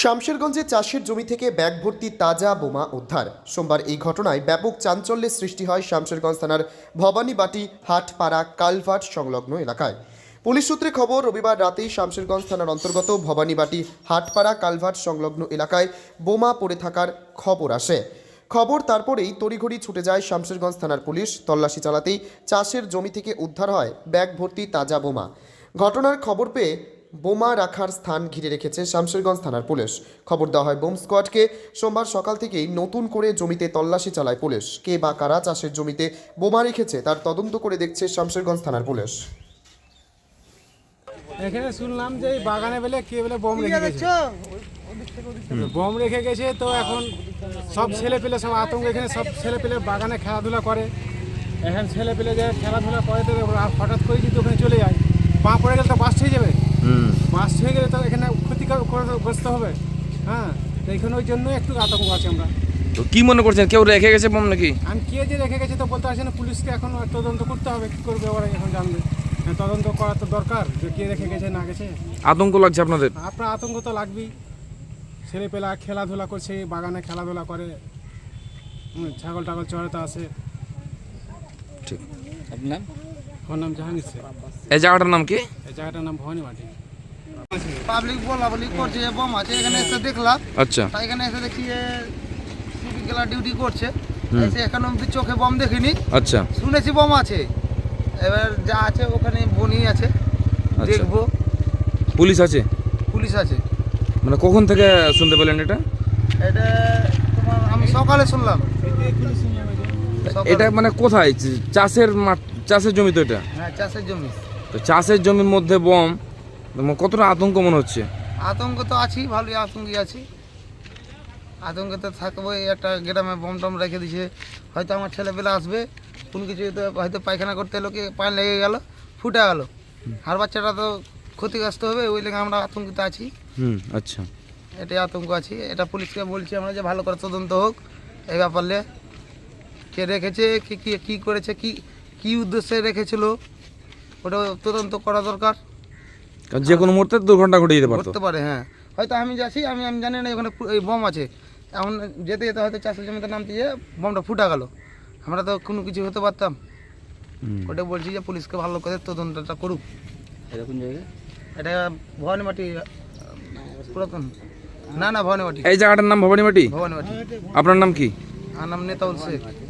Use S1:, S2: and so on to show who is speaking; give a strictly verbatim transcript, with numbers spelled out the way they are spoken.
S1: শামশেরগঞ্জে চাষের জমি থেকে ব্যাগ ভর্তি তাজা বোমা উদ্ধার। সোমবার এই ঘটনায় ব্যাপক চাঞ্চল্যের সৃষ্টি হয় শামশেরগঞ্জ থানার ভবানীবাটি হাটপাড়া কালভার্ট সংলগ্ন এলাকায়। পুলিশ সূত্রে খবর, রবিবার রাতেই শামশেরগঞ্জ থানার অন্তর্গত ভবানীবাটি হাটপাড়া কালভার্ট সংলগ্ন এলাকায় বোমা পড়ে থাকার খবর আসে। খবর তারপরেই তড়িঘড়ি ছুটে যায় শামশেরগঞ্জ থানার পুলিশ। তল্লাশি চালাতেই চাষের জমি থেকে উদ্ধার হয় ব্যাগ ভর্তি তাজা বোমা। ঘটনার খবর পেয়ে বোমা রাখার স্থান ঘিরে রেখেছে শামশেরগঞ্জ থানার পুলিশ। খবর দেওয়া হয় বোম স্কোয়াডকে। সোমবার সকাল থেকেই নতুন করে জমিতে তল্লাশি চালায় পুলিশ। কে বা কারা চাষের জমিতে বোমা রেখেছে তার তদন্ত করে দেখছে শামশেরগঞ্জ থানার পুলিশ।
S2: এখানে শুনলাম যে এই বাগানে বেলে কে বলে বোম রেখে গেছে, বোম রেখে গেছে। তো এখন সব ছেলে পেলে সব আতঙ্ক, এখানে সব ছেলে পেলে বাগানে খেলাধুলা করে। এখন ছেলে পেলে যে খেলাধুলা করে তো হঠাৎ করে যদি ওখানে চলে যায়, পা পড়ে গেলে তো বাস হয়ে যাবে। বাস হয়ে গেলে তো এখানে ক্ষতি করে বসতে হবে। হ্যাঁ, তো এখানে ওই জন্য একটু আতঙ্ক আছে আমরা।
S3: তো কি মনে করছেন, কেউ রেখে গেছে বোম নাকি?
S2: আমি কে যে রেখে গেছে তো বলতে পারছি না, পুলিশকে এখন তদন্ত করতে হবে। কী করবে ওরা এখন জানবে, তদন্ত করা তো দরকার যে কে রেখে গেছে না গেছে।
S3: আতঙ্ক লাগছে আপনাদের?
S2: আপনার আতঙ্ক তো লাগবেই। ছেলেপেলা খেলাধুলা করছে, বাগানে খেলাধুলা করে, ছাগল টাগল চড়াতে আসে।
S3: ঠিক। আপনার
S2: আমার নাম জাহাঙ্গীর শেখ।
S3: এই জায়গাটার নাম কি?
S2: এই জায়গাটার নাম ভবানীবাটি।
S4: পাবলিক বলা বলি করছে যে বোম আছে, এখানে এসে দেখলাম।
S3: আচ্ছা।
S4: তাই এখানে এসে দেখছি যে সিভিক গেলা ডিউটি করছে। এসে এখানে অব্দি চোখে বোম দেখিনি।
S3: আচ্ছা।
S4: শুনেছি বোম আছে, এবার যা আছে ওখানে বনি আছে, দেখবো।
S3: পুলিশ আছে?
S4: পুলিশ আছে।
S3: মানে কখন থেকে শুনতে পেলেন এটা?
S4: এটা তোমার আমি সকালে শুনলাম।
S3: এটা মানে কোথায়? চাষের মাঠ, চাষের জমি তো এটা?
S4: হ্যাঁ, চাষের জমি।
S3: তো চাষের জমির মধ্যে বোম, কতটা আতঙ্ক মনে হচ্ছে?
S4: আতঙ্ক তো আছি, ভালোই আতঙ্কে আছি। আতঙ্কে তো থাকবোই। একটা গ্রামে বোম টম রেখে দিছে, হয়তো আমার ছেলেপেলে আসবে, কোনো কিছু হয়তো পায়খানা করতে এলো, কি পানি লেগে গেল, ফুটে গেল, আর বাচ্চাটা তো ক্ষতিগ্রস্ত হবে। ওই লেগে আমরা আতঙ্কিত আছি।
S3: হুম, আচ্ছা।
S4: এটাই আতঙ্ক আছি। এটা পুলিশকে বলছি আমরা যে ভালো করে তদন্ত হোক এই ব্যাপারে, কে রেখেছে, কি কি কী করেছে, কি কি উদ্দেশ্যে রেখেছিল, ওটা তদন্ত করা দরকার।
S3: কারণ যে কোনো মুহূর্তে দুর্ঘটনা ঘটে যেতে পারতো।
S4: করতে পারে। হ্যাঁ, হয়তো আমি যাচ্ছি, আমি আমি জানি না ওখানে এই বোম আছে, এখন যেতে যেতে হয়তো চাষের জমিতে নামতে গিয়ে বোমটা ফুটা গেল, আমরা তো কোনো কিছু হতে পারতাম। ওটা বলছি যে পুলিশকে ভালো করে তদন্তটা করুক।
S5: এটা কোন জায়গা?
S4: এটা ভবানীবাটি পুরাতন। না না ভবানীবাটি।
S3: এই জায়গাটার নাম ভবানীবাটি?
S4: ভবানীবাটি।
S3: আপনার নাম কি?
S4: আমার নাম নেতাউল শেখ।